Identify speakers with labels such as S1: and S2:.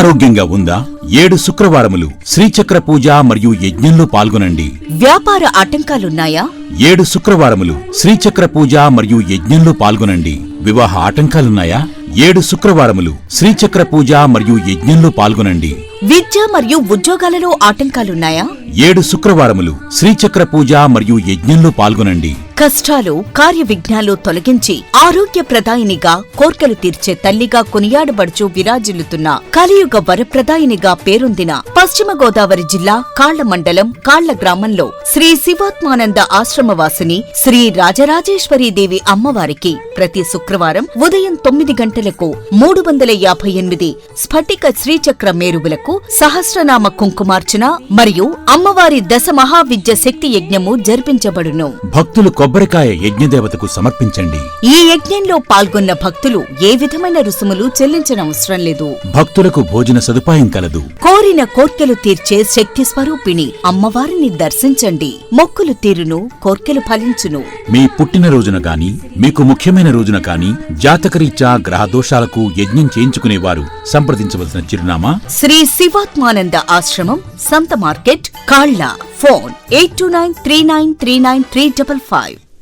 S1: అనారోగ్యంగా ఉందా? 7 శుక్రవారములు శ్రీచక్ర పూజ మరియు యజ్ఞంలో పాల్గొనండి.
S2: వ్యాపార ఆటంకాలున్నాయా?
S1: 7 శుక్రవారములు శ్రీచక్ర పూజ మరియు యజ్ఞంలో పాల్గొనండి. వివాహ ఆటంకాలున్నాయా? 7 శుక్రవారములు శ్రీచక్ర పూజ మరియు యజ్ఞంలో పాల్గొనండి.
S2: విద్య మరియు ఉద్యోగాలలో ఆటంకాలున్నాయా?
S1: 7 శుక్రవారములు శ్రీచక్ర పూజ మరియు యజ్ఞంలో పాల్గొనండి.
S2: కష్టాలు, కార్య విఘ్నాలు తొలగించి ఆరోగ్యప్రదాయినిగా, కోర్కెలు తీర్చే తల్లిగా కొనియాడబడుచు విరాజిల్లుతున్న కలియుగ వరప్రదాయినిగా పేరొందిన పశ్చిమ గోదావరి జిల్లా కాళ్ల మండలం కాళ్ల గ్రామంలో శ్రీ శివాత్మానంద ఆశ్రమవాసిని శ్రీ రాజరాజేశ్వరీదేవి అమ్మవారికి ప్రతి శుక్రవారం ఉదయం 9 గంటలకు 358 స్ఫటిక శ్రీచక్ర మేరువులకు సహస్రనామ కుంకుమార్చన మరియు అమ్మవారి దశ మహావిద్య శక్తి యజ్ఞము జరిపించబడును.
S1: భక్తులు కొబ్బరికాయ యజ్ఞదేవతకు సమర్పించండి.
S2: ఈ యజ్ఞంలో పాల్గొన్న భక్తులు ఏ విధమైన రుసుములు చెల్లించనవసరం లేదు.
S1: భక్తులకు భోజన సదుపాయం కలదు.
S2: కోరిన కోర్కెలు తీర్చే శక్తి స్వరూపిణి అమ్మవారిని దర్శించండి. మొక్కులు తీరును, కోర్కెలు ఫలించును.
S1: మీ పుట్టినరోజున గాని, మీకు ముఖ్యమైన రోజున గాని, జాతకరీత్యా గ్రహదోషాలకు యజ్ఞం చేయించుకునేవారు సంప్రదించవలసిన చిరునామా
S2: శ్రీ శివాత్మానంద ఆశ్రమం, సంత మార్కెట్, కాళ్ల. ఫోన్ 8293939355.